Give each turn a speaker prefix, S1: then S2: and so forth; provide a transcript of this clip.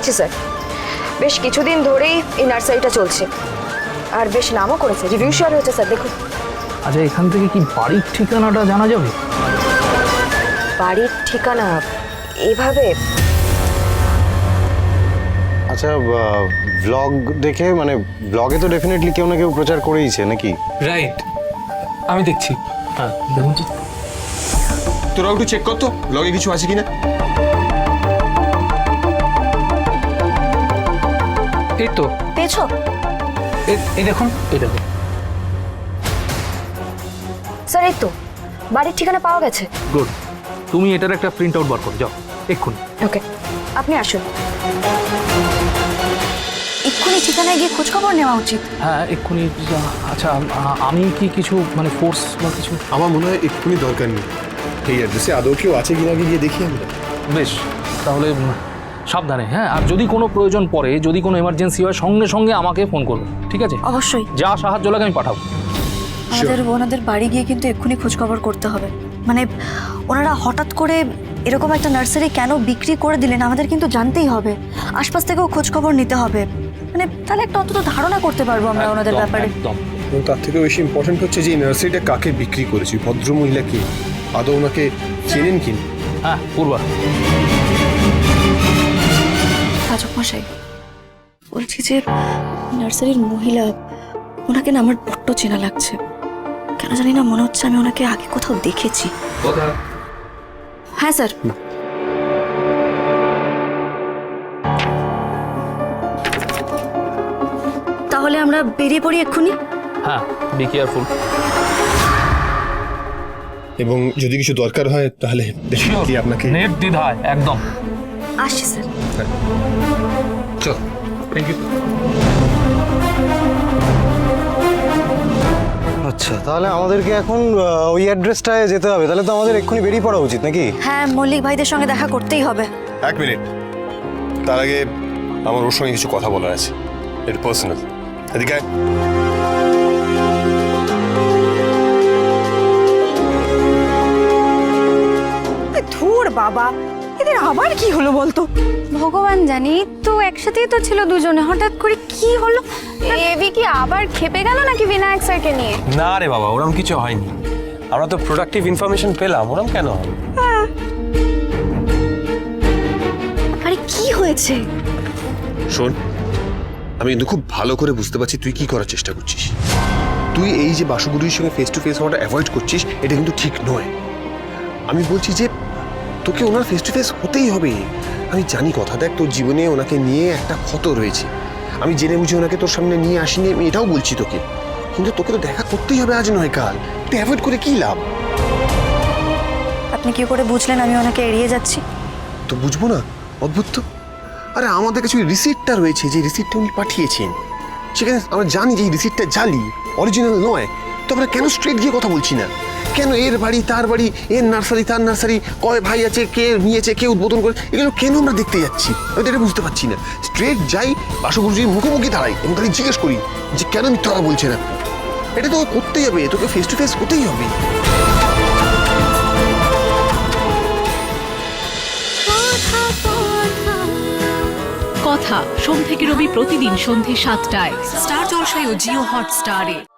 S1: পেয়েছি স্যার। বেশ কিছুদিন ধরেই এই নার্সারিটা চলছে, আর বেশ নামও করেছে, রিভিউ শেয়ার হয়েছে স্যার, দেখুন।
S2: আচ্ছা, এখান থেকে কি বাড়ির ঠিকানাটা জানা যাবে?
S1: বাড়ির ঠিকানা এইভাবে?
S3: আচ্ছা, ব্লগ দেখে, মানে ব্লগে তো ডেফিনেটলি কেউ না কেউ প্রচার করেইছে নাকি?
S4: রাইট, আমি দেখছি।
S2: হ্যাঁ, দেখুন তো।
S5: তোরা একটু চেক কর তো ব্লগে কিছু আছে কিনা।
S4: এই তো,
S1: পেয়েছো?
S4: এই দেখুন,
S2: এই দেখুন
S1: স্যার এই তো বাড়ির ঠিকানা পাওয়া গেছে।
S2: গুড। তুমি এটার একটা প্রিন্ট আউট বার করো, যাও এক্ষুনি।
S1: ওকে, আপনি আসুন। এক্ষুনি ঠিকানায় গিয়ে খোঁজখবর নেওয়া উচিত।
S2: হ্যাঁ, এক্ষুনি। আচ্ছা, আমি কি কিছু মানে ফোর্স বা কিছু?
S5: আমার মনে হয় এক্ষুনি দরকার নেই। এই অ্যাড্রেসে আদৌ কেউ আছে কিনা গিয়ে দেখি আমরা।
S2: বেশ, তাহলে সাবধানে। হ্যাঁ, আর যদি কোনো প্রয়োজন পড়ে, যদি কোনো এমার্জেন্সি হয়, সঙ্গে সঙ্গে আমাকে ফোন করবে, ঠিক আছে?
S6: অবশ্যই।
S2: যা সাহায্য লাগে আমি পাঠাবো।
S6: ওনাদের বাড়ি গিয়ে কিন্তু এক্ষুনি খোঁজখবর করতে হবে। মানে ওনারা হঠাৎ করে এরকম একটা নার্সারি কেন বিক্রি করে দিলেন আমাদের কিন্তু জানতেই হবে। আশপাশ থেকেও খোঁজখবর নিতে হবে, মানে তাহলে একটা অন্তত ধারণা করতে পারবো আমরা ওনাদের ব্যাপারে।
S2: একদম।
S5: এবং তার থেকে বেশি ইম্পর্টেন্ট হচ্ছে যে এই নার্সারিটা কাকে বিক্রি করেছি, ভদ্রমহিলাকে আদৌ ওনাকে চেনেন কিনা।
S2: হ্যাঁ, পূর্বা।
S6: রাজক মশাই, বলছি যে নার্সারির মহিলা, ওনাকে না আমার বড্ড চেনা লাগছে। কেন জানি না, মনে হচ্ছে আমি ওনাকে আগে কোথাও দেখেছি। হ্যাঁ স্যার। তাহলে আমরা বেরিয়ে পড়ি এক্ষুনি।
S2: হ্যাঁ, বি কেয়ারফুল।
S5: এবং যদি কিছু দরকার হয় তাহলে ডেফিনেটলি আপনাকে।
S2: নেট দ্বিধায় একদম।
S6: আসছি স্যার।
S5: চল, থ্যাংক ইউ।
S3: আচ্ছা, তাহলে আমাদেরকে এখন ওই অ্যাড্রেসটায় যেতে হবে। তাহলে তো আমাদের এক্ষুনি বেরিয়ে পড়া উচিত নাকি?
S6: হ্যাঁ, মল্লিক ভাইদের সঙ্গে দেখা করতেই হবে।
S5: এক মিনিট, তার আগে আমার ওর সঙ্গে কিছু কথা বলার আছে, একটু পার্সোনাল। এদিকে আয়।
S7: ধুর বাবা, এদের আবার কি হলো বলতো?
S8: ভগবান জানি, তো একসাথেই তো ছিল দুজনে, হঠাৎ করে কি হলো? এবি কি আবার খেপে গেল নাকি বিনায়ক স্যারকে নিয়ে?
S9: না রে বাবা, ওরম কিছু হয়নি। আমরা তো প্রোডাক্টিভ ইনফরমেশন পেলাম, ওরম কেন হবে?
S6: আরে কি হয়েছে?
S5: শোন, আমি কিন্তু খুব ভালো করে বুঝতে পারছি তুই কি করার চেষ্টা করছিস। তুই এই যে বাসুগুরুর সঙ্গে ফেস টু ফেস হওয়াটা অ্যাভয়েড করছিস, এটা কিন্তু ঠিক নয়। আমি বলছি যে তোকে ওনার ফেস টু ফেস হতেই হবে। আমি জানি কথা, দেখ তোর জীবনে ওনাকে নিয়ে একটা ক্ষত রয়েছে। আমি জেনে বুঝে ওনাকে তোর সামনে নিয়ে আসিনি, আমি এটাও বলছি তোকে। কিন্তু তোকে তো দেখা করতেই হবে, আজ নয় কাল। তুই অ্যাভয়েড করে কি লাভ?
S6: আপনি কি করে বুঝলেন আমি ওনাকে এড়িয়ে যাচ্ছি?
S5: তো বুঝবো না? অদ্ভুত তো। আরে আমাদের কাছে ওই রিসিপ্টটা রয়েছে, যে রিসিপ্টটা উনি পাঠিয়েছেন। সেখানে আমরা জানি যে এই রিসিপ্টটা জালি, অরিজিনাল নয়। তো আমরা কেন স্ট্রেট গিয়ে কথা বলছি না? কেন এর বাড়ি তার বাড়ি, এর নার্সারি তার নার্সারি, কয় ভাই আছে, কে নিয়েছে, কে উদ্বোধন করে, এগুলো কেন আমরা দেখতে যাচ্ছি? আমি তো এটা বুঝতে পারছি না। স্ট্রেট যাই, বাসুগুরুজির মুখোমুখি দাঁড়াই এবং তাকে জিজ্ঞেস করি যে কেন মিথ্যা কথা বলছে না। এটা তো করতেই হবে, তোকে ফেস টু ফেস হতেই হবে।
S10: কথা সোম থেকে রবি প্রতিদিন সন্ধ্যে ৭টায় স্টার জলসায় ও জিও হটস্টারে।